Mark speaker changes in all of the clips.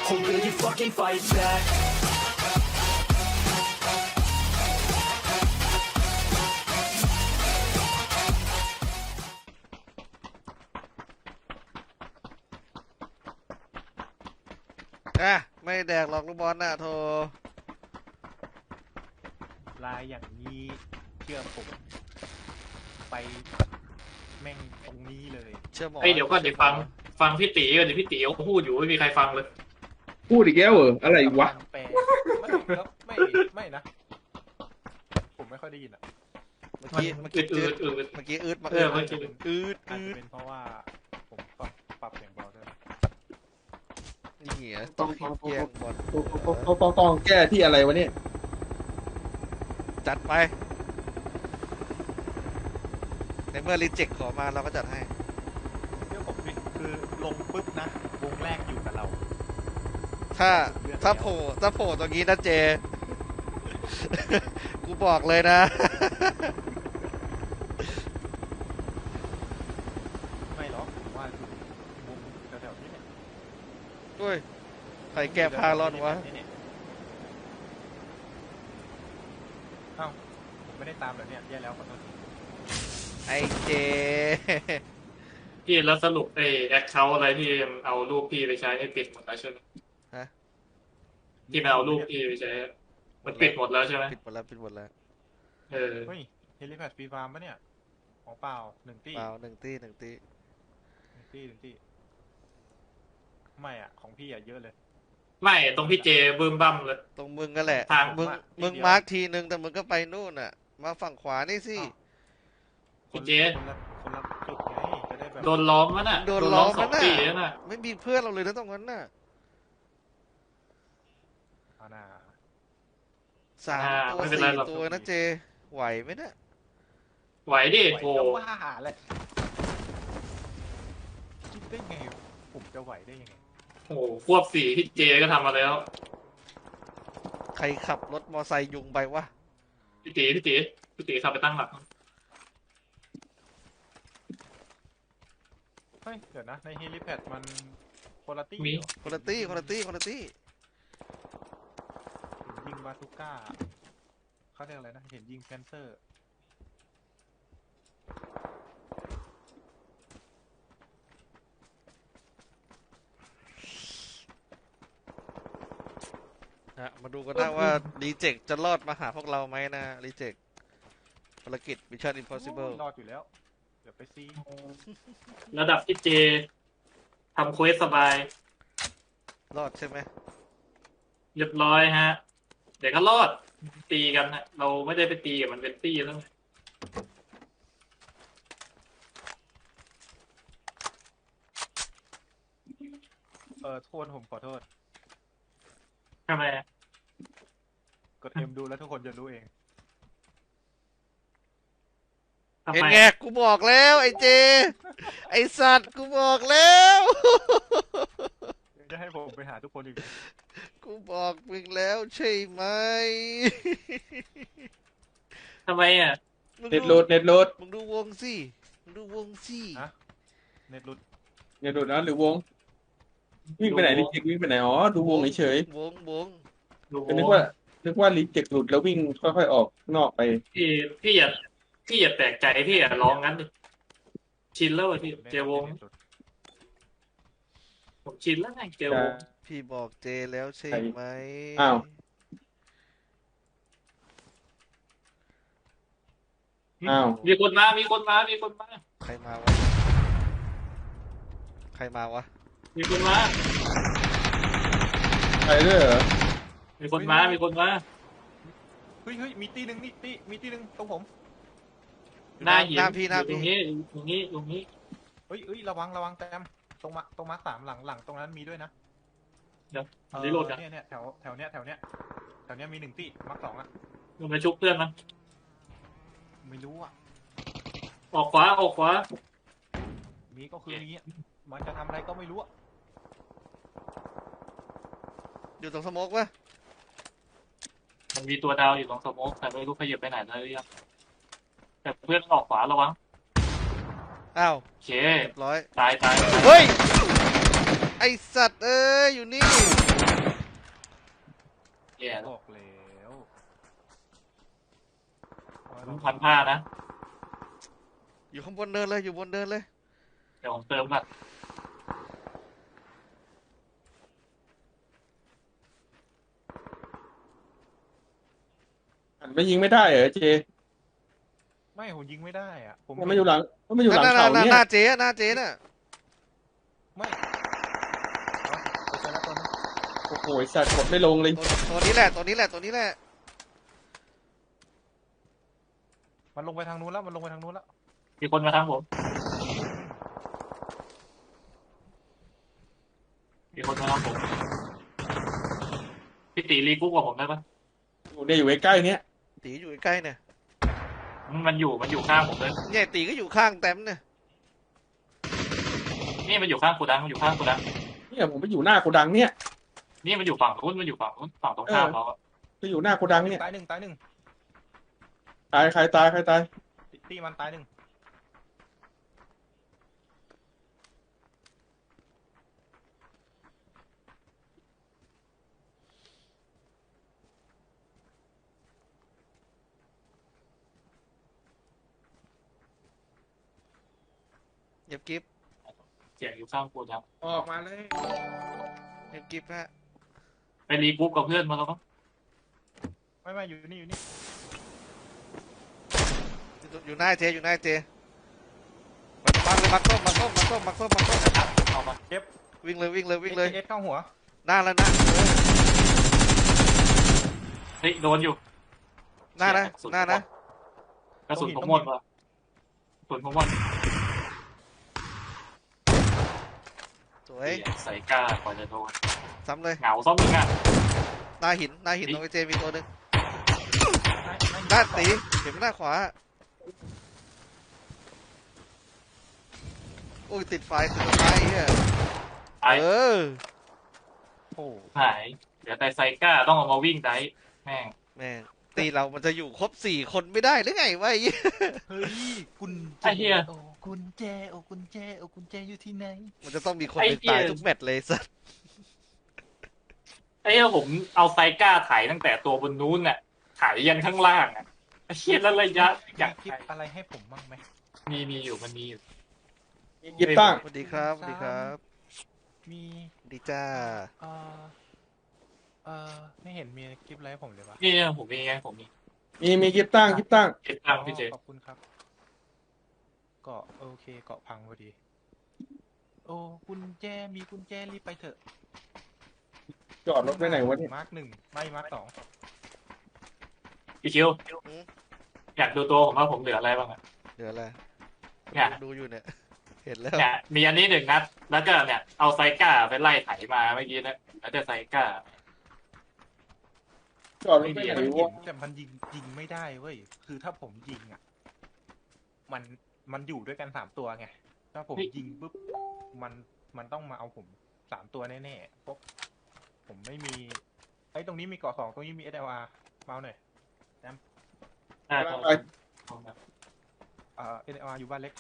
Speaker 1: or will you fucking fight back?
Speaker 2: ไม่แดกหรอกลูกบอลน่ะโทร
Speaker 3: ลายอย่างนี้เชื่อผมไปแม่งตรงนี้เลย
Speaker 2: เชื่อหมอ
Speaker 4: เดี๋ยวก่อนเดี๋ยวฟังพี่ตีก่อนเดี๋ยวพี่ตีเขาพูดอยู่ไม่มีใครฟังเลย
Speaker 5: พูดอีกแล้วเหรออะไรวะ
Speaker 3: แปลไม่นะผมไม่ค่อยได้ยินอ่ะ
Speaker 2: เมื่อกี้
Speaker 4: อื
Speaker 2: มา
Speaker 4: ด
Speaker 2: อืดมา
Speaker 4: เออเมื่อกี้
Speaker 3: อาจจะเป็นเพราะว่าผมปรับเสียงเบาด้วย
Speaker 2: นี่เหรอต้องแย่งบอล
Speaker 5: ต้องแก้ที่อะไรวะเนี่ย
Speaker 2: จัดไปในเมื่อรีเจ็คขอมาเราก็จัดให้
Speaker 3: เรื่องผมคือลงปุ๊บนะวงแรกอยู่กับเรา
Speaker 2: ถ้าโผล่ตรงนี้นะเจ กูบอกเลยนะ
Speaker 3: ไม่หรอกผมว่าวงแถวๆนี้เนี่ย
Speaker 2: ด้วยใครแก้ผ้าร้อนวะ
Speaker 3: เอ้าผมไม่ได้ตามเหรอเนี่ยแย่แล้วขอโทษที
Speaker 2: ไอเจ
Speaker 4: พี่แล้วสรุปแอคเคาท์อะไรที่เอารูปพี่ไปใช้ให้ปิดหมดแล้วใช่ไหม
Speaker 2: ฮะ
Speaker 4: ที่มันเอารูปพี่ไปใช้มันปิดหมดแล้วใช่ไหม
Speaker 2: ปิดหมดแล้ว
Speaker 4: เออ
Speaker 3: เฮ้ยเฮลิแพดฟรีฟาร์มปะเนี่ยของเปล่าหนึ่งตี้
Speaker 2: เปล่าหนึ่งตี
Speaker 3: หนึ่งตี้ไม่อ่ะของพี่อ่ะเยอะเลย
Speaker 4: ไม่ตรงพี่เจบึ้มบั้มเลย
Speaker 2: ตรงมึงก็แหละ
Speaker 4: ทาง
Speaker 2: มึงมาร์คทีนึงแต่มึงก็ไปนู่นน่ะ มาฝั่งขวานี่สิ
Speaker 4: พี่เจ
Speaker 3: คนละจุดไงจะได้แบบ
Speaker 4: โดนล้อมแล้วน่ะ
Speaker 2: โดนล้อม
Speaker 4: สอง
Speaker 2: แล้วน่ะ
Speaker 4: ปีแล้วน่ะ
Speaker 2: ไม่มีเพื่อนเราเลยนะตรงนั้นน่ะ
Speaker 3: อาณา
Speaker 2: 3 ตัว
Speaker 4: ไม่เป็นไรหรอก
Speaker 2: 4 ตัวนะเจ ไหวไหมเนี่ย
Speaker 4: ไหวดิ
Speaker 3: ไหว
Speaker 4: โอ้
Speaker 3: ก็ว่าแหละคิดได้ไงผมจะไหวได้ยังไง
Speaker 4: โหควบ4พี่เจก็ทำมาแล้ว
Speaker 2: ใครขับรถมอไซค์ยุงไปวะ
Speaker 4: พี่ตีขับไปตั้งหลัก
Speaker 3: เฮ้ยเดี๋ยวนะในเฮลิแพดมันคนละตี้
Speaker 4: มี
Speaker 3: เหรอ
Speaker 2: คนละตี้
Speaker 3: เห็นยิงบาซูก้าเขาเรียกอะไรนะเห็นยิงแพนเซอร์
Speaker 2: มาดูกันนะว่ารีเจ็คจะรอดมาหาพวกเราไหมนะรีเจ็คภารกิจ Mission Impossible
Speaker 3: รอดอยู่แล้วเดี๋ยวไปซี
Speaker 4: ระดับพี่เจทำเควสสบาย
Speaker 2: รอดใช่ไหม
Speaker 4: เรียบร้อยฮะ เดี๋ยวก็รอดตีกันฮะเราไม่ได้ไปตีกับมันเป็นตี้แล้วไง
Speaker 3: โทษผมขอโทษ
Speaker 4: ทำไมอะ
Speaker 3: กดเอ็มดูแล้วทุกคนจะรู้เอง
Speaker 4: ทำ
Speaker 2: เห็น
Speaker 4: ไม
Speaker 2: ไงกูบอกแล้วไอ้เจ ไอ้สัตว์กูบอกแล้ว
Speaker 3: จะให้ผมไปหาทุกคนอีกไหม
Speaker 2: กูบอกมึงแล้วใช่ไหม
Speaker 4: ทำไมอ่ะ
Speaker 5: เน็ตโหลด
Speaker 2: มึงดูวงสิ
Speaker 3: ฮะเน็ตหลุด
Speaker 5: เน็ตโหลดนะหรือวง วิ่งไปไหนลิเจ็กวิ่งไปไหนอ๋อดูวงเฉย
Speaker 2: วง
Speaker 4: ดู
Speaker 5: ๆนึกว่าลิเจ็กหลุดแล้ววิ่งค่อยๆออกนอกไป
Speaker 4: พี่อย่าแปลกใจพี่อย่าร้องงั้นดิชินแล้วอะพี่เจวง
Speaker 3: น็ตหลุด
Speaker 4: ผมชินแล้วไงเจวง
Speaker 2: พี่บอกเจแล้วใช่ไหม
Speaker 5: อ้าว อ้าว
Speaker 4: มีคนมา
Speaker 2: ใครมาวะ
Speaker 4: มีคนมา
Speaker 5: ไปด้วยเหรอ
Speaker 4: มีคนมา
Speaker 3: เฮ้ยมีตีหนึ่งนี่มีตีหนึ่งตรงผม
Speaker 4: หน้าหิน
Speaker 2: หน้าพี่
Speaker 4: ตรงนี้
Speaker 3: เฮ้ยระวังแต้มตรงมาร์ค 3หลังตรงนั้นมีด้วยนะ
Speaker 4: เดี๋ยวรีโหลดกัน
Speaker 3: เนี่ยแถวเนี้ยมี1ตีมาร์ค 2อ่ะ
Speaker 4: มันมาชุบเพื่อนมัน
Speaker 3: ไม่รู้อ่ะ
Speaker 4: ออกขวา
Speaker 3: มีก็คือมีอ่ะมันจะทำอะไรก็ไม่รู้อ่ะ
Speaker 2: อยู่ตรงสโมกวะ
Speaker 4: มันมีตัวดาวอยู่ตรงสโมกแต่ไม่รู้ขยับไปไหนแล้วหรือยังแต่เพื่อนออกขวาระวัง
Speaker 2: อ้าว
Speaker 4: โอเค
Speaker 2: เรียบร้อย
Speaker 4: ตาย
Speaker 2: เฮ้ยไอสัตว์เอ้ยอยู่นี่
Speaker 4: แย่แล้ว
Speaker 3: บอกแล้วว่า
Speaker 4: ผ
Speaker 3: เรา
Speaker 4: มพันผ้านะ
Speaker 2: อยู่ข้างบนเนินเลยอยู่บนเนินเลย
Speaker 4: เดี๋ยวผมเติมก่อน
Speaker 5: หันไปยิงไม่ได้เหรอเจ
Speaker 3: ไม่ผมยิงไม่ได้อ่ะผม
Speaker 5: มันมาอยู่หลังมันมาอยู่หลัง
Speaker 2: นั่น
Speaker 5: เขา
Speaker 2: ห
Speaker 5: เนี่ย
Speaker 2: น้าเจ๊อะหน้าเจ๊น่ะ
Speaker 3: ไม่เอาไปเจอแล้วตัวนึง
Speaker 5: โอ้โหไอ้สัตว์กดไม่ลงเลย
Speaker 2: ตัวนี้แหละตัวนี้แหละตัวนี้แหละ
Speaker 3: มันลงไปทางนู้นแล้วมันลงไปทางนู้นแล้ว
Speaker 4: มีคนมาทางผม มีคนมาทางผมพี่ตีรีกุ๊กกับผมได้ปะ
Speaker 5: อยู่ใกล้ๆเนี่ย
Speaker 2: ตีอยู่ใกล้ๆเนี่ย
Speaker 4: มันอยู่ข้างผมเลย
Speaker 2: เนี่ยตีก็อยู่ข้างแต้มเนี่ย
Speaker 4: นี่มันอยู่ข้างกูดังมันอยู่ข้างกูดัง
Speaker 5: เนี่ยผมไปอยู่หน้าโกดังเนี่ย
Speaker 4: นี่มันอยู่ฝั่งนู้นมันอยู่ฝั่งนู้นฝั่งตรงข้ามเราอะ
Speaker 5: ไปอยู่หน้าโกดังเนี่ย
Speaker 3: ตายหนึ่ง
Speaker 5: ตายใครตายใครตาย
Speaker 3: ตีมันตายหนึ่ง
Speaker 2: เงียบกิ๊บ
Speaker 4: เสียงอยู่ข้างกูดัง
Speaker 5: ออกมาเลย
Speaker 2: เงียบกิ๊บฮะ
Speaker 4: ไปรีกุ๊กกับเพื่อนมาแล้วมั้ง
Speaker 3: ไม่อยู่นี่อยู่นี่
Speaker 2: อยู่หน้าเจอยู่หน้าเจบังเลยบังส้ม
Speaker 4: เอามา
Speaker 2: วิ่งเลยวิ่งเลยวิ่งเลย
Speaker 3: เอสเข้าหัว
Speaker 2: หน้าแล้วนะ
Speaker 4: เฮ้ยโดนอยู่
Speaker 2: หน้านะหน้านะ
Speaker 4: กระสุนผมหมดว่ะกระสุนผมหมด
Speaker 2: สวย
Speaker 4: ใส่กล้ากว่าจะโดน
Speaker 2: ซ้ำเลย
Speaker 4: เหงาซ้อมมึงอ่ะ
Speaker 2: หน้าหินตรงไอเจมีตัวหนึ่ง
Speaker 3: ไม่
Speaker 2: หน้าตีเข็มหน้าขวาโอ้ยติดไฟเฮีย
Speaker 4: ไอ้
Speaker 2: เออ
Speaker 3: โอ้
Speaker 4: หายเดี๋ยวแต่ไซก้าต้องเอามาวิ่งได้แม่ง
Speaker 2: แม่งตีเรามันจะอยู่ครบ4 คนไม่ได้หรือไงวะไอ้เหี้ย
Speaker 3: เฮ้ยกุญแจ
Speaker 4: ไอ้เหี้ย
Speaker 3: โอ้กุญแจโอ้กุญแจโอ้กุญแจอยู่ที่ไหน
Speaker 2: มันจะต้องมีคนหนึ่งตายทุกแมตช์เลยสัส
Speaker 4: ไอ้เหี้ยผมเอาไซก้าถ่ายตั้งแต่ตัวบนนู้นน่ะถ่ายยันข้างล่างอ่ะไอ้เหี้ยแล้วระยะอย่าง
Speaker 3: คิดอะไรให้ผมบ้างไหม
Speaker 4: มีอยู่มันมีอยู่
Speaker 5: มีกิฟตั้ง
Speaker 2: สวัสดีครับสวัสดีครับ
Speaker 3: มี
Speaker 2: สวัสดีจ้า
Speaker 3: เอ่อไม่เห็นมีคลิปอะไรให้ผมเลยวะ
Speaker 4: นี่ผมมีไงผมมี
Speaker 5: มีกิฟตั้ง
Speaker 4: เก็บตังค์พี่เจ
Speaker 3: ขอบคุณครับเกาะโอเคเกาะพังพอดี โอ้กุญแจมีกุญแจรีบไปเถอะ
Speaker 5: จอดรถไว้ไหนวะเนี่ย
Speaker 3: มาร์ก1ไม่มาร์ก2
Speaker 4: พี่คิวอยากดูตัวผมว่าผมเหลืออะไรบ้างอ่ะ
Speaker 2: เดี๋ยวอะไร
Speaker 4: เนี่ย
Speaker 2: ดูอยู่เนี่ย เห็นแล้ว
Speaker 4: เนี่ยมีอันนี้1 นัด แล้วก็เนี่ยเอาไซก้าไปไล่ไถมาเมื่อกี้นะแล้วจะไซก้า
Speaker 5: จอดรถไว้ไหน
Speaker 3: มันเห็
Speaker 5: วะ
Speaker 3: นแต่มันยิงไม่ได้เว้ยคือถ้าผมยิงอ่ะมันอยู่ด้วยกัน3 ตัวไงถ้าผมยิงปุ๊บมันต้องมาเอาผม3 ตัวแน่ๆเพราะผมไม่มีไอ้ตรงนี้มีเกาะ2ตรงนี้มี SLR เมาหน่อย
Speaker 4: ได้
Speaker 5: ไป
Speaker 4: ครับ
Speaker 5: ไป
Speaker 3: SLR อยู่บ้านเล็ก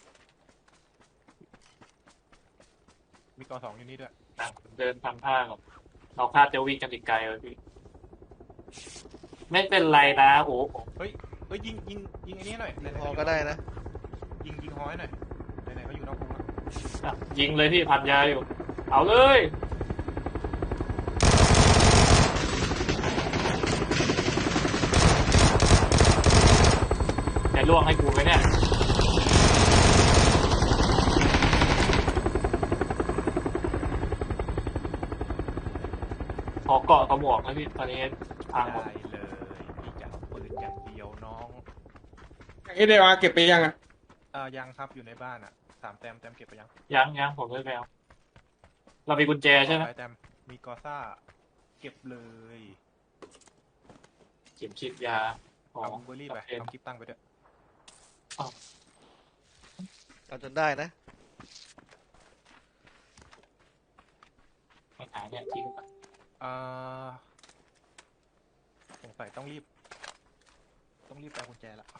Speaker 3: มีเกาะ2อยู่นี่ด้วย
Speaker 4: เดินทำท่าก่อนเราคาดจะวิ่งกันอีกไกลเลยพี่ไม่เป็นไรนะโอ้
Speaker 3: เฮ้ยยิงไอ้นี่หน่อยไหนๆ
Speaker 2: พอก็ได้นะ
Speaker 3: ยิงฮอยหน่อยไหนๆก็อยู่นอกวงแล้ว
Speaker 4: อ่ะยิงเลยพี่พันยาอยู่ เอาเลย จะล่วงให้กูไหมเนี่ย ขอเกาะกระหมวกนะพี่ตอนนี้พังหมด
Speaker 3: ได้เลยพี่จะเอาปืนอย่างเดียวน้อง
Speaker 5: SDR เก็บไปยังอ่ะ
Speaker 3: ยังครับอยู่ในบ้านอ่ะ3 แต้มเก็บไปยัง
Speaker 4: ยังผมไม่ไปเอาเรามีกุญแจใช่ไหม
Speaker 3: ไปแต้มมีกอซ่าเก็บเลย
Speaker 4: เข็มฉีดยาของ
Speaker 3: เอาเบอร์รี่ไปเอาคลิปตั้งไปด้วย
Speaker 2: เอาจนได้นะ
Speaker 4: ไม่หายเนี่ยทิ้งไป
Speaker 3: สงสัยต้องรีบไปเอากุญแจละ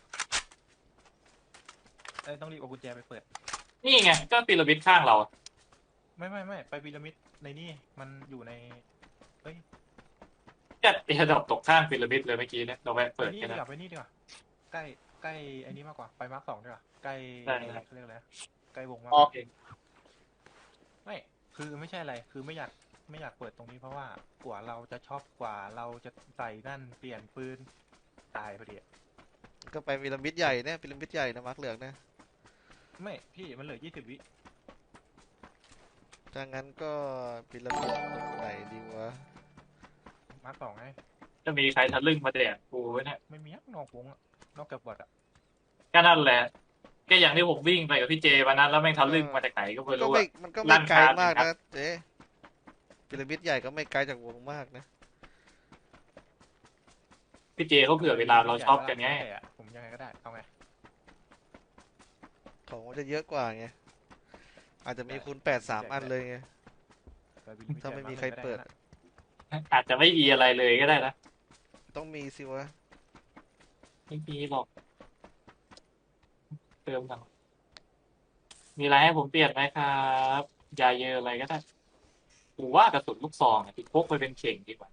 Speaker 3: ต้องรีบเอากุญแจไปเปิด
Speaker 4: นี่ไงก็พีระมิดข้างเรา
Speaker 3: ไม่ไปพีระมิดในนี่มันอยู่ในเอ้ย
Speaker 4: จัดเอร์ดรอปตกข้างพีระมิดเลยเมื่อกี้เนี่ยเราแวะ
Speaker 3: ไป
Speaker 4: เปิด
Speaker 3: นี่
Speaker 4: กัน
Speaker 3: ดี
Speaker 4: นะ
Speaker 3: กว่าไปนี่ดีกว่าใกล้ใกล้ไอ้นี้มากกว่าไปมาร์ค2ดีกว่าใกล้
Speaker 4: ได้ครับ
Speaker 3: เขาเรียกอะไรนะใกล้วงมาก
Speaker 5: ออก
Speaker 3: ไม่คือไม่ใช่อะไรคือไม่อยากเปิดตรงนี้เพราะว่ากว่าเราจะช็อปกว่าเราจะใส่นั่นเปลี่ยนปืนตายพอดีอะ
Speaker 2: ก็ไปพีระมิดใหญ่เนี่ยพีระมิดใหญ่นะมาร์คเหลืองเนี่ย
Speaker 3: ไม่พี่มันเหลือ20 วิ
Speaker 2: ถ้างั้นก็พีระมิดตรงไหนดีวะ
Speaker 3: มาร์ค2ไง
Speaker 4: จะมีใครทะลึ่งมาแดกกูไว้เนี่ย
Speaker 3: ไม่มีนอกวงอะนอกจากบอทอะ
Speaker 4: ก็นั่นแหละก็อย่างที่ผมวิ่งไปกับพี่เจวันนั้นแล้วแม่งทะลึ่งมาจากไหนก็ไม่
Speaker 2: ก็
Speaker 4: รู้
Speaker 2: ไม่
Speaker 4: อะ
Speaker 2: มันก็
Speaker 4: ลั่
Speaker 2: ไม่
Speaker 4: น
Speaker 2: ไกล
Speaker 4: คาน
Speaker 2: มาก
Speaker 4: ครั
Speaker 2: นะ
Speaker 4: บ
Speaker 2: เจ๊พีระมิดใหญ่ก็ไม่ไกลจากวงมากนะ
Speaker 4: พี่เจเขาเผื่อเวลาเราช็อปกันไง
Speaker 3: ใช่อะผมยังไงก็ได้เอาไง
Speaker 2: ของมันจะเยอะกว่าไงอาจจะมีคูณ8 3 อันเลยไง
Speaker 3: ไปบิล
Speaker 2: ถ้าไม่มีใครเปิด
Speaker 4: อาจจะไม่มีอะไรเลยก็ได้นะ
Speaker 2: ต้องมีสิวะ
Speaker 4: ไม่มีหรอกเติมกันมีอะไรให้ผมเปลี่ยนไหมครับยาเยอะอะไรก็ได้ผมว่ากระสุนลูกซองที่พกไปเป็นเข่งดีกว่า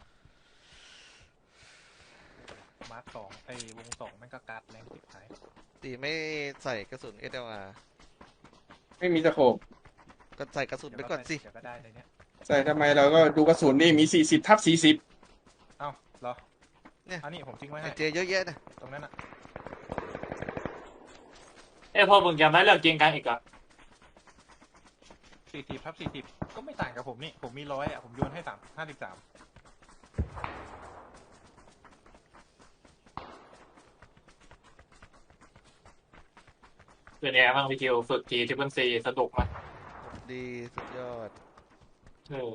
Speaker 3: มาร์ค2ไอ้วง2แม่งก็การ์ดแรงสิบท้าย
Speaker 2: ตีไม่ใส่กระสุน SLR
Speaker 5: ไม่มีตะโขบ
Speaker 2: ก็ใส่กระสุนไปก่อนสิ
Speaker 3: เดี๋ยวก็ได้ในเนี้ย
Speaker 5: ใส่ทำไมเราก็ดูกระสุนนี่มี40/40
Speaker 3: เอ้าเหรอ
Speaker 2: เนี่ย
Speaker 3: อันนี้ผมทิ้งไว้
Speaker 2: ไอ
Speaker 3: ให้
Speaker 2: เจเยอะแยะนะ
Speaker 3: ตรงนั้นอะ
Speaker 4: พอมึงจำได้เรื่องเกียงกันอีกอ่ะ
Speaker 3: 40/40ก็ไม่ต่างกับผมนี่ผมมี100อะผมโยนให้53
Speaker 4: เป็นไงบ้างพี่คิวฝึกทีทริปเปิลซีสนุกไหม
Speaker 2: ดีสุดยอด
Speaker 4: เออ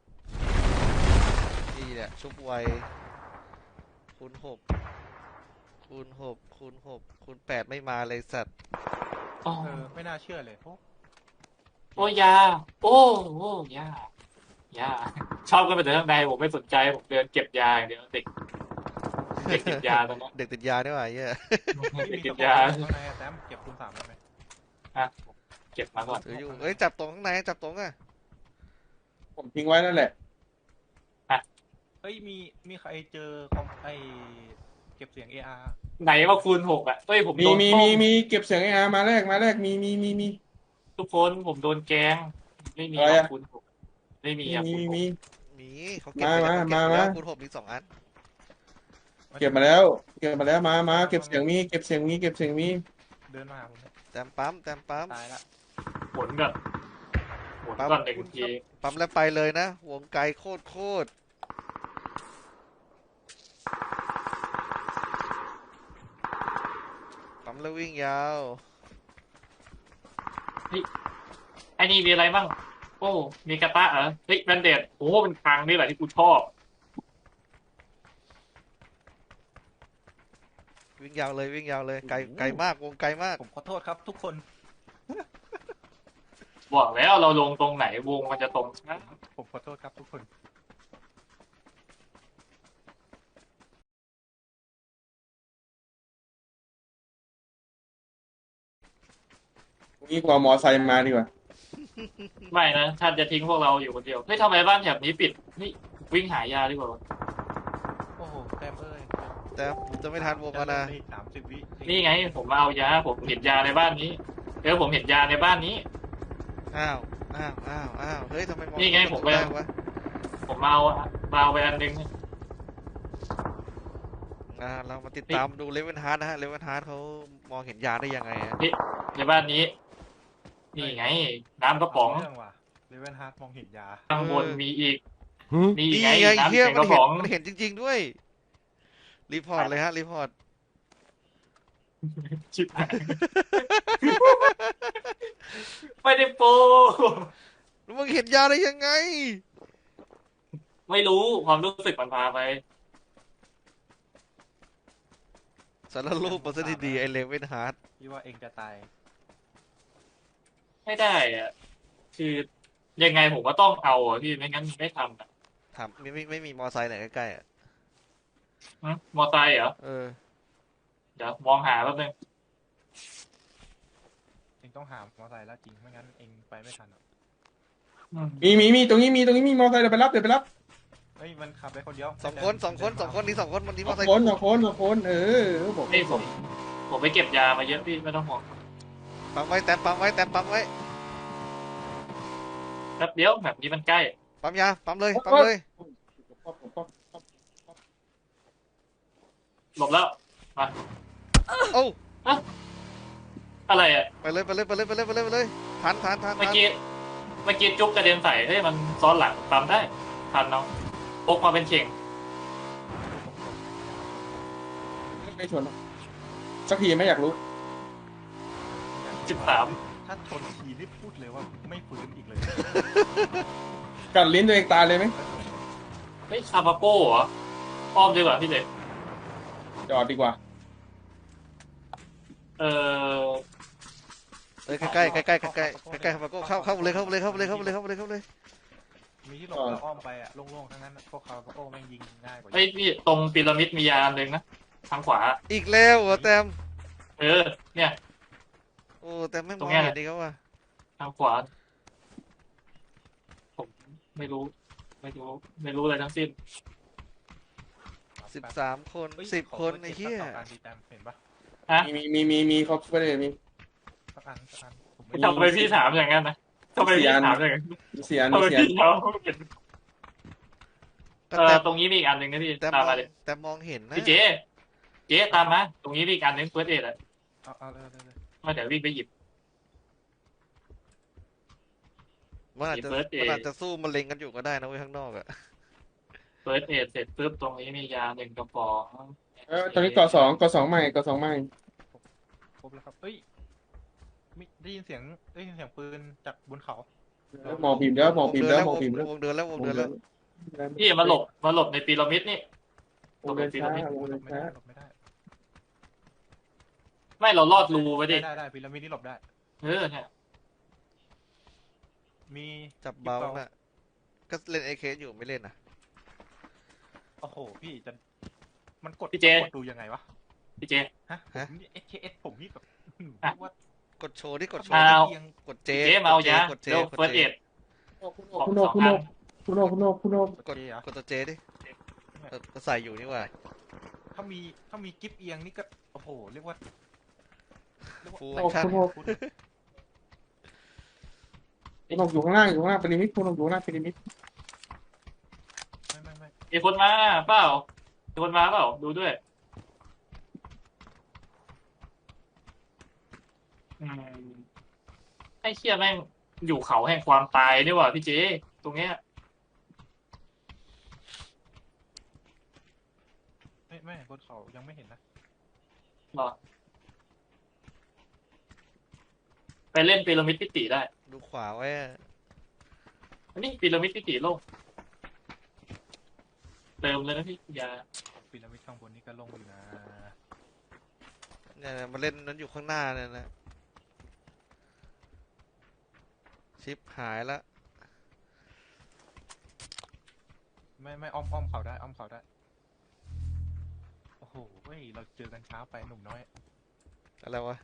Speaker 2: นี่แหละชุบไวคูณ6คูณ6คูณ6คูณ8ไม่มาเลยสัตว์
Speaker 4: โอ้
Speaker 3: ไม่น่าเชื่อเลยโอ้
Speaker 4: โอ้ยา โอ้โอ้ยายาชอบกันไปแต่ข้างในผมไม่สนใจผมเดินเก็บยาอย่างเดียวเด็กเก็บยาตอนนั้น
Speaker 2: เด็กติดยาด้วยวะเหี้ย
Speaker 3: ไม่มี
Speaker 4: เก็
Speaker 3: ตะ
Speaker 4: บ
Speaker 3: โขบ
Speaker 4: ยา
Speaker 3: ข้างในอะแซมเก็บคูณ3ได้ไหม
Speaker 4: เก็บมาก่อน
Speaker 2: ถืออยู่เอ้ยจับตรงข้างในจับตรงอ่ะ
Speaker 5: ผมทิ้งไว้นั่นแหละ
Speaker 3: เฮ้ยมีใครเจอคอมไอเก็บเสียง AR
Speaker 4: ไหนว่าคูณ6อ่ะเอ้ยผม
Speaker 5: มี
Speaker 4: โดน
Speaker 5: มี
Speaker 4: ต้
Speaker 5: มี
Speaker 4: ม
Speaker 5: มีเก็บเสียงไอ้อามาแรกมี
Speaker 4: ทุกคนผมโดนแกล้งไม่มี
Speaker 5: อะไร
Speaker 4: หรอก
Speaker 5: อะ
Speaker 4: คูณ6ไม่มีอะคูณ
Speaker 5: มี
Speaker 2: มีเขาเก็บไปแล้ว
Speaker 5: มา
Speaker 2: เก็บไปแล้ว
Speaker 5: มา
Speaker 2: คูณ6มี2 อัน
Speaker 5: เก็บมาแล้วเก็บเสียงมีเก็บเสียงมี
Speaker 3: เดินมาหาผมเนี่ย
Speaker 2: แต้มปั๊มแต้มปั๊ม
Speaker 3: ตายละ
Speaker 4: หมุนก่อนหมุนก่อนหนึ่งที
Speaker 2: ปั๊มแล้วไปเลยนะ วงไกลโคตรปั๊มแล้ววิ่งยาว
Speaker 4: ไอ้นี่มีอะไรบ้างโอ้มีกระตะเหรอเฮ้ยแบนเดดโอ้เป็นครั้งนี่แหละที่กูชอบ
Speaker 2: วิ่งยาวเลยวิ่งยาวเลยไกลมากวงไกลมาก
Speaker 3: ผมขอโทษครับทุกคน
Speaker 4: บอกแล้วเราลงตรงไหนวงมันจะตรงนะ
Speaker 3: ผมขอโทษครับทุกคน
Speaker 5: นี่กว่ามอไซค์มาดีกว่า
Speaker 4: ไม่นะท่านจะทิ้งพวกเราอยู่คนเดียวเฮ้ยทำไมบ้านแถบนี้ปิดนี่วิ่งหายาดีกว่า
Speaker 3: โอ้โหแซมเอ้ย
Speaker 2: แต่จะไม่ทันวงแล้วนะ
Speaker 3: 30 วิ
Speaker 4: นี่ไงผมมาเอายาผมเห็นยาในบ้านนี้ผมเห็นยาในบ้านนี้
Speaker 2: อ้าวเฮ้ยทำไมมอง
Speaker 4: นี่ไงผมไป
Speaker 2: แรกวะ
Speaker 4: ผมมาเอาไปอันนึง
Speaker 2: เรามาติดตามดูเลเวนฮาร์ดนะฮะเลเวนฮาร์ดเขามองเห็นยาได้ยังไงอะ
Speaker 4: ในบ้านนี้ นี่ไง น้ำกระป๋อง
Speaker 3: เรื่องว่ะเลเวนฮาร์ดมองเห็นยา
Speaker 4: ข้างบนมีอีกนี่
Speaker 2: นี่
Speaker 4: ไง
Speaker 2: ไง
Speaker 4: น้ำ
Speaker 2: เฮีย
Speaker 4: แข็งก
Speaker 2: มัน
Speaker 4: ระ
Speaker 2: เห็
Speaker 4: ป๋
Speaker 2: น
Speaker 4: อง
Speaker 2: มันเห็นจริง ๆ ด้วย รีพอร์ตเลยฮะ รีพอร์ต
Speaker 4: ชิบหายไม่ได้โปร
Speaker 2: แล้วมึงเห็นยาได้ยังไง
Speaker 4: ไม่รู้ความรู้สึกมันพาไป
Speaker 2: สารรูปเปอร์เซ็นต์ที่ดีไอเลเวนฮาร์ด
Speaker 3: พี่ว่าเองจะตาย
Speaker 4: ไม่ได้อะคือยังไงผมก็ต้องเอาอ่ะพี่ไม่งั้นไม่ทำอ่ะ
Speaker 2: ถามไม่มีมอไซค์ไหนใกล้ๆอ่ะ
Speaker 4: มอไซค์เหรอ
Speaker 2: เออ
Speaker 4: เดี๋ยวมองหาแป๊บนึง
Speaker 3: เองต้องหามอเตอร์ไซค์แล้วจริงไม่งั้นเองไปไม่ทันหรอก
Speaker 4: อืม
Speaker 5: มีตรงนี้มีมอเตอร์ไซค์เดี๋ยวไปรับ
Speaker 3: เฮ้ยมันขับไปคนเดียว
Speaker 2: สองคนนี่สองคนมันนี่
Speaker 5: ส
Speaker 2: ม
Speaker 5: อ
Speaker 2: อง เตอร์ไซค์
Speaker 5: คน
Speaker 2: คู่
Speaker 5: 2 คนบอก
Speaker 4: นี่ผมไปเก็บยามาเยอะพี่ไม่ต้องห่วง
Speaker 2: ปั๊มไว้แตนปั๊มไว้
Speaker 4: แป๊บเดียวแบบนี้มันใกล้
Speaker 2: ปั๊มยาปั๊มเลย
Speaker 4: หลบแล้วมา
Speaker 2: โอ้
Speaker 4: อะไรอ่ะ
Speaker 2: ไปเลยทัน
Speaker 4: เมื่อกี้จุ๊บกระเด็นใส่เฮ้ยมันซ้อนหลังปั๊มได้ทันน้องพกมาเป็นเข่ง
Speaker 5: ไม่ชนสักทีไม่อยากรู้
Speaker 4: 13
Speaker 3: ถ้าชนทีรีบพูดเลยว่าไม่ฟื้นอีกเลย
Speaker 5: กัดลิ้นตัวเองตายเลยไหม
Speaker 4: เฮ้ยคาปาโป้เหรออ้อมดีกว่าพี่เด็ก
Speaker 5: จอดดีกว่า
Speaker 4: เออ
Speaker 2: ใกล้ครับก็เข้าเลย
Speaker 3: มีที่หลบแล้วอ้อมไปอะโล่งๆทั้งนั้นพวกเขาโอ้แม่งยิงง่ายกว่า
Speaker 4: เฮ้ยพี่ตรงพีระมิดมียาอันหนึ่งนะทางขวา
Speaker 2: อีกแล้วเหรอแตม
Speaker 4: เนี่ย
Speaker 2: โอ้แต่ไม่ม
Speaker 4: ตร
Speaker 2: อง
Speaker 4: งเนี้ย
Speaker 2: เห็นดีเขาว่า
Speaker 4: ทางขวาผมไม่รู้อะไรทั้งสิ้น
Speaker 2: 13 คน
Speaker 3: เฮ้ย
Speaker 2: 10 คนไอ้เหี้ย
Speaker 3: ขอเก็บสัก2 อันดีแตมเห็นปะ
Speaker 5: มีครบไปเลยมี
Speaker 3: สักอันผม
Speaker 4: ทำไมพี่ถามอย่างนั้นนะทำไมพี่ถามอย่างนั้น
Speaker 5: เสียน
Speaker 4: ทำไมพี่ถามตรงนี้มีอีกอันหนึ่งนะพี่
Speaker 2: แต่
Speaker 4: ตามมาเลย
Speaker 2: มองเห็นนะ
Speaker 4: พี่เจ๊ตามมาตรงนี้มีอีกอันหนึ่งเฟิร์สเอ็ดอะ
Speaker 3: เอาเลย
Speaker 4: มาเดี๋ยววิ่งไปหยิบ
Speaker 2: มันอาจจะ
Speaker 4: First aid
Speaker 2: มันอาจจะสู้มะเร็งกันอยู่ก็ได้นะเว้ยข้างนอกอะ
Speaker 4: เฟิร์สเอ็ดเสร็จปุ๊บตรงนี้มียา1 กระป๋อง
Speaker 5: ตอนนี้ก่อสองใหม่
Speaker 3: ครบแล้วครับเฮ้ยมีได้ยินเสียงปืนจากบนเขา
Speaker 5: มองพิมพ์แล้ว
Speaker 2: วงเดินแล้ววงเดินแล้ว
Speaker 4: พี่มาหลบในพีระมิดนี่
Speaker 5: วงเดินช้า
Speaker 3: หลบไม่ได้
Speaker 4: ไม่เราลอดรูไปดิ
Speaker 3: ได้พีระมิดนี่หลบได้
Speaker 4: เนี่ย
Speaker 3: มี
Speaker 2: จับเบาน่ะก็เล่นไอเคอยู่ไม่เล่นนะ
Speaker 3: โอ้โหพี่จะมันกดดูยังไงวะ
Speaker 4: พี่เจ
Speaker 3: ฮะผมนี่ SKS ผมนี่แบบว่าก
Speaker 2: ดโชว์ที่กดโช
Speaker 4: เอา
Speaker 2: ว์
Speaker 3: เอียง
Speaker 2: กดเจ
Speaker 4: พี่เจมาเอายาก
Speaker 2: ดเจ
Speaker 4: เร็ว
Speaker 2: กด
Speaker 4: เฟิร์ส
Speaker 2: เจ
Speaker 4: เอ็ด
Speaker 5: คุณโน
Speaker 2: กดตัวเจดิก็ใส่อยู่นี่ว่า
Speaker 3: ถ้ามีกิฟเอียงนี่ก็โอ้โหเรียกว่า
Speaker 2: ฟูล
Speaker 5: คุณ
Speaker 2: แอคชั่น
Speaker 5: อยู่ข้างล่างพีระมิดคุณอยู่ข้างล่างพีระมิด
Speaker 3: ไม่
Speaker 4: มีคนมาเปล่าดูด้วยไอ้เชี่ยแม่งอยู่เขาแห่งความตายนี่หว่าพี่เจตรงเนี้ย
Speaker 3: ไม่บนเขายังไม่เห็นนะ
Speaker 4: หรอไปเล่นพีระมิดพิติได้
Speaker 2: ดูขวาไว้
Speaker 4: อันนี้พีระมิดพิติโลกเติมเลยนะพี่ยา
Speaker 3: พีระมิดข้างบนนี่ก็ลงอยู่นะ
Speaker 2: เนี่ยมาเล่นนั้นอยู่ข้างหน้าเนี่ยนะชิปหายละ
Speaker 3: ไม่อ้อมเขาได้โอ้โหเว้ยเราเจอกันเช้าไปหนุ่มน้อย
Speaker 2: อะไรวะ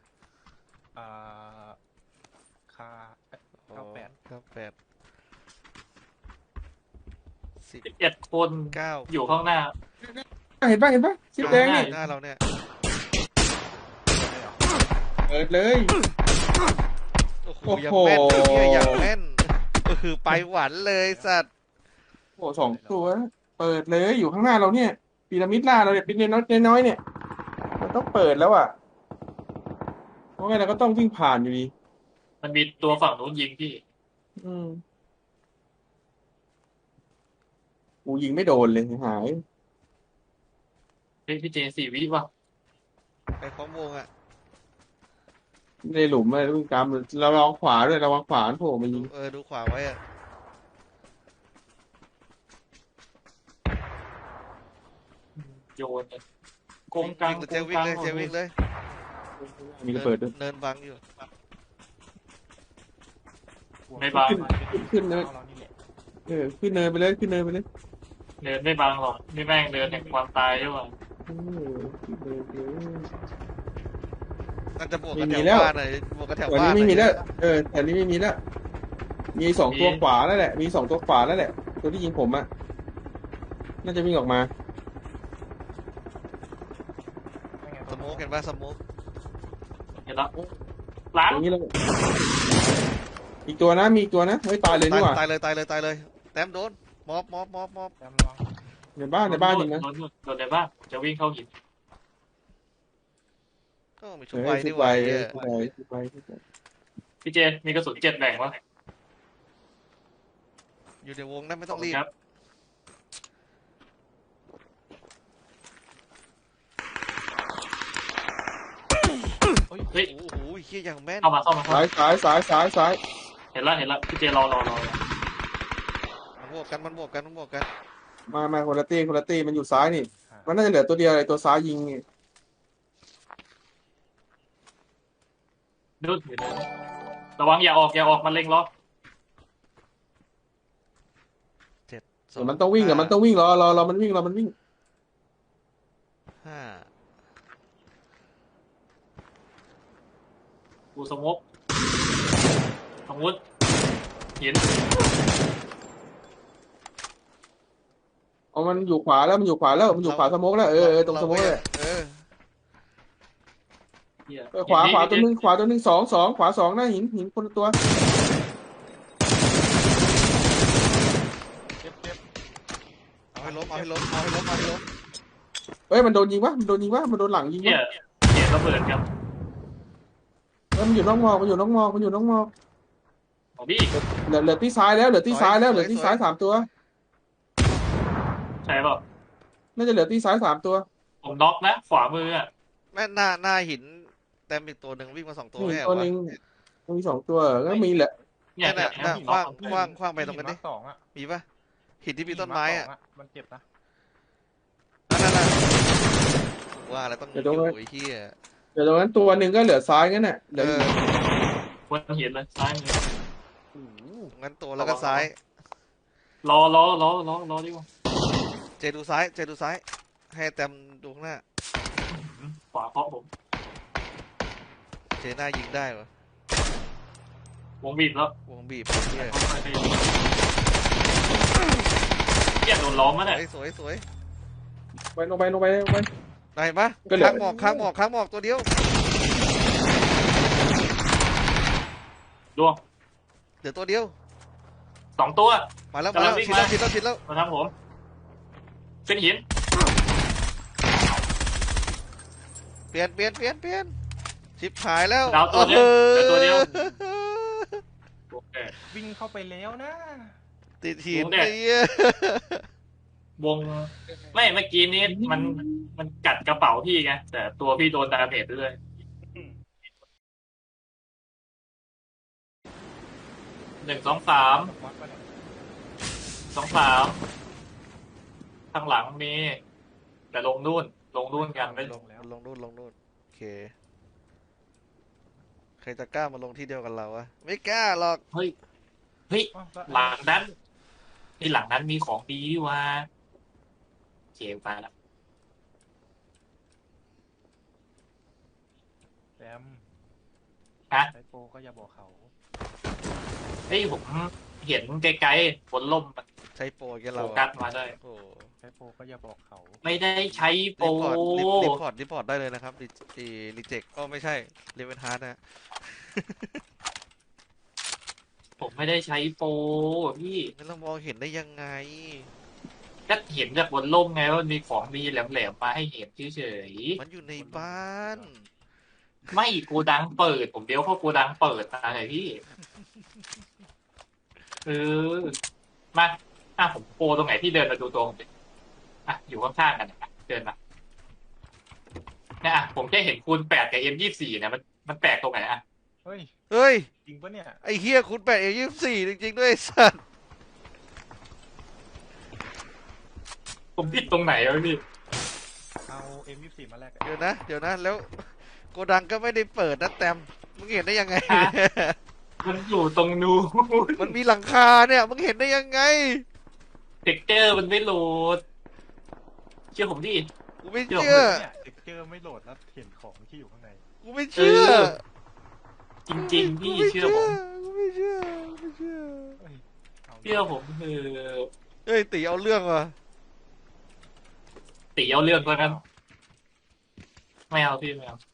Speaker 3: คา 98
Speaker 2: 98
Speaker 4: 11 คน
Speaker 2: 9
Speaker 4: อยู่ข้างหน้า
Speaker 5: เห็นปะชิปแดงนี่
Speaker 2: หน้าเราเนี่ย
Speaker 5: เปิดเลย
Speaker 2: โอ้โหอย่างแม่นเหี้ยอย่างแม่นก็คือไปหวันเลยสัตว์
Speaker 5: 2 ตัวเปิดเลยอยู่ข้างหน้าเราเนี่ยพีระมิดหน้าเราเนี่ยพีระมิดน้อยเนี่ยมันต้องเปิดแล้วอ่ะเพราะงั้นเราก็ต้องวิ่งผ่านอยู่ดี
Speaker 4: มันมีตัวฝั่งนู้นยิงพี่
Speaker 5: กูยิงไม่โดนเลยหาย
Speaker 4: เฮ้ยพี่เจ4 วิว่ะ
Speaker 2: ไปพร้อมวงอ่ะ
Speaker 5: ในหลุมอะไรวิ่งตามเราลองขวาด้วยระวังขวาโผล่มายิง
Speaker 2: ดูขวาไว้อ่ะ
Speaker 4: โยนเลยกงกลาง
Speaker 2: เจวิ่งเลย
Speaker 5: มีระเบิดด้วย
Speaker 2: เนินบังอยู่
Speaker 4: ไม่บัง
Speaker 5: ขึ้นเนิน
Speaker 3: เรานี่แหละ
Speaker 5: ขึ้นเนินไปเลย
Speaker 4: เดินไม่บังหรอกนี่แม่งเดินแห่งความตายใช่ป่ะ
Speaker 5: ขึ้นเนินไปเลย
Speaker 2: น่าจะบวกกัน
Speaker 5: ไม่
Speaker 2: แถ
Speaker 5: มี
Speaker 2: ว
Speaker 5: แล้ว
Speaker 2: บ้านหน่อยบวกกันแถว
Speaker 5: วัน
Speaker 2: บ้า
Speaker 5: นี้
Speaker 2: น
Speaker 5: ไม่มีแล้วแถวนี้ไม่มีแล้วมีสองตัวขวาแล้วแหละ มีสองตัวขวาแล้วแหละ ตัวที่ยิงผมอะน่าจะวิ่งออกมา
Speaker 3: ยังไง
Speaker 2: สโมกเห็นป่ะสโมก
Speaker 4: เห็นแล้วหลัง
Speaker 5: อย่างนี้เลยอีกตัวนะ มีอีกตัวนะเฮ้ยตายเลยนี่หว่า
Speaker 2: ตายเลยตายเลยตายเลยแต้มโดนมอบ
Speaker 3: แต้มระวัง
Speaker 5: ในบ้านยิงนะ
Speaker 4: โดนในบ้านจะวิ่งเข้าหิน
Speaker 2: ก็มีชุ
Speaker 5: เฮ้
Speaker 2: บ
Speaker 5: ย
Speaker 2: ไว
Speaker 5: ชุ
Speaker 2: นี่
Speaker 5: บ
Speaker 2: ห
Speaker 5: ไว
Speaker 2: ว่าเนี่ย
Speaker 5: ชุบไวชุบไวชุบไว
Speaker 4: พี่เจมีกระสุน7แบ่งวะ
Speaker 2: อยู่ในวงนั้นไม่
Speaker 4: ข
Speaker 2: ต้
Speaker 4: อ
Speaker 2: อบ ง
Speaker 4: คุณ
Speaker 2: รีบ
Speaker 4: ครับ
Speaker 3: เฮ้ย
Speaker 4: เฮ้ย
Speaker 2: โอ้โหเฮียอย่างแม่น
Speaker 4: เข้ามา
Speaker 5: ซ้ายซ้าย
Speaker 4: เห็นแล้วพี่เจรอ
Speaker 2: มันบวกกันมันบวกกัน
Speaker 5: มาคนละตีมันอยู่ซ้ายนี่ มันน่าจะเหลือตัวเดียวอะไรตัวซ้ายยิงนี่
Speaker 4: นู่นอยู่นู่นระวังอย่าออกมันเล็งล็อก
Speaker 5: เดี๋ยวมันต้องวิ่งอะมันต้องวิ่งรอมันวิ่ง
Speaker 2: ห้า
Speaker 4: กูสมกสมมุติหิน
Speaker 5: เอามันอยู่ขวาแล้วมันอยู่ขวาสโมกแล้วตรงสโมกเลย
Speaker 4: เหี้ย
Speaker 5: ขวาตัวนึงสองขวาสองหน้าหินคนละตัว
Speaker 3: เจ็บ
Speaker 2: เอาให้ล้ม
Speaker 5: เฮ้ยมันโดนยิงวะมันโดนหลังยิง
Speaker 4: เหี้
Speaker 5: วะ
Speaker 4: ยระเบิดครับ
Speaker 5: มันอยู่นอกมอก
Speaker 4: ของพี่
Speaker 5: เหลือที่ซ้ายแล้วเหลือที่ซ้ายสามตัว
Speaker 4: ใช่เปล่า
Speaker 5: น่าจะเหลือที่ซ้าย3ตัว
Speaker 4: ผมน็อกนะขวามืออ่ะ
Speaker 2: แม่หน้าหินแต้มอีกตัวหนึ่งวิ่งมา2 ตัว
Speaker 5: มี
Speaker 2: แน่
Speaker 5: ตัว
Speaker 2: วะ
Speaker 5: นึงมี2ตัวก็มีแหละ
Speaker 4: เนี่ย
Speaker 2: น่ะคว้างไปตรงนั้นดิ
Speaker 3: หิมาสองอะ
Speaker 2: มีป่ะหินที่มีต้นไม้อะ
Speaker 3: มันเจ็บนะ
Speaker 2: นั่นว่าอะไรต้องอยู่ไอ้เหี้ย
Speaker 5: เดี๋ยวตรงนั้นตัวนึงก็เหลือซ้ายงั้นน่ะเหลือ
Speaker 4: บนหินเลยซ้ายมือ
Speaker 2: งั้นตัวแล้วก็ซ้าย
Speaker 4: รอดีกว่า
Speaker 2: เจดูซ้ายให้แต้มดูข้างหน้า
Speaker 4: ขวาเคาะผม
Speaker 2: เจหน้ายิงได้ปะ
Speaker 4: วงบีบแล้ว
Speaker 2: วงบีบเหี้ย
Speaker 4: เหี้ยโดนล้อมมาเนี่ย
Speaker 2: สวย
Speaker 5: ลงไป
Speaker 2: ได้ปะ
Speaker 5: ก็เหลือ
Speaker 2: ค้างหมอกตัวเดียว
Speaker 4: ดวง
Speaker 2: เหลือตัวเดียว
Speaker 4: 2 ตัว
Speaker 2: มาแล้ว
Speaker 4: กำลังวิ่ง
Speaker 2: ชิดแล้ว
Speaker 4: มาทำผมเป็นหิน
Speaker 2: เปลี่ยนชิบหายแล้ว
Speaker 4: ดาวตัวเดียวเหลือตัวเดียว โอเค
Speaker 3: วิ่งเข้าไปแล้วนะ
Speaker 2: ติดหิน
Speaker 4: โอ้เนี่ย
Speaker 2: ไอ้เหี้ยว
Speaker 4: งไม่เมื่อกี้นี้มันกัดกระเป๋าพี่ไงแต่ตัวพี่โดนดาเมจด้วย1 2 3
Speaker 3: วัดปะเนี่ย
Speaker 4: 2 3ข้างหลังมีแต่ลงนู่นกันไม่
Speaker 2: ลงนู่นโอเคใครจะกล้ามาลงที่เดียวกันเราวะไม่กล้าหรอก
Speaker 4: เฮ้ย
Speaker 3: อ้าวแล้ว
Speaker 4: หลังนั้นหลังนั้นมีของดีดีว่าเจมไปแล้ว
Speaker 3: แซม
Speaker 4: ฮะ
Speaker 3: ไซโปก็อย่าบอกเขา
Speaker 4: เฮ้ยผมเห็นไกลๆบนล่มมัน
Speaker 2: ใช้โปรแก
Speaker 4: โฟ
Speaker 2: เรา
Speaker 4: กั
Speaker 2: อะ
Speaker 4: สมาได้
Speaker 2: โอ้
Speaker 3: ไซโปก็อย่าบอกเขา
Speaker 4: ไม่ได้ใช้โปร
Speaker 2: รีพอร์ตได้เลยนะครับรีเจ็คก็ไม่ใช่รีเวนฮาร์ดนะ
Speaker 4: ผมไม่ได้ใช้โปรพี่
Speaker 2: งั้นเรามองเห็นได้ยังไง
Speaker 4: ก็เห็นจากบนล่มไงว่ามีของดีแหลมๆมาให้เห็นเฉย
Speaker 2: มันอยู่ในบ้าน
Speaker 4: ๆไม่โกดังเปิด ผมเดี๋ยวเข้าโกดังเปิดมาเลยพี่มาผมโปรตรงไหนที่เดินมาดูตัวผมดิอยู่ข้างๆกันนะเดินมาเนี่ยผมแค่เห็นคูณ8กับ M24เนี่ยมันแปลกตรงไหนอ่ะ
Speaker 3: เฮ้ย
Speaker 2: เฮ้ย
Speaker 3: จริงปะเนี่ย
Speaker 2: ไอ้เฮียคุณ8 A24จริงๆด้วยไอ้สัตว์
Speaker 4: ผมผิดตรงไหนวะพี่
Speaker 3: เอา M24 มาแลกกัน
Speaker 2: เดี๋ยวนะแล้วโกดังก็ไม่ได้เปิดนะแตมมึงเห็นได้ยังไง
Speaker 4: มันอยู่ตรงนู้น
Speaker 2: มันมีหลังคาเนี่ยมึงเห็นได้ยังไง
Speaker 4: เท็กเจอร์มันไม่โหลดเชื่อผมดิ
Speaker 2: กูไม่เชื่อ
Speaker 3: เนี่ยเด็กเจอไม่โหลดแล้วเห็นของที่อยู่ข้างใน
Speaker 2: กูไม่เชื่อ
Speaker 4: จริงๆพี่เชื่อผม
Speaker 2: กูไม่ไม่เชื่อไม่เชื่อ
Speaker 3: เอ้ยา
Speaker 4: เชื่อผมคือ
Speaker 2: เอ้ยตีเอาเรื่องว่ะ
Speaker 4: ตีเอาเรื่องก็นั้นไม่เอาพี่ไม่เอา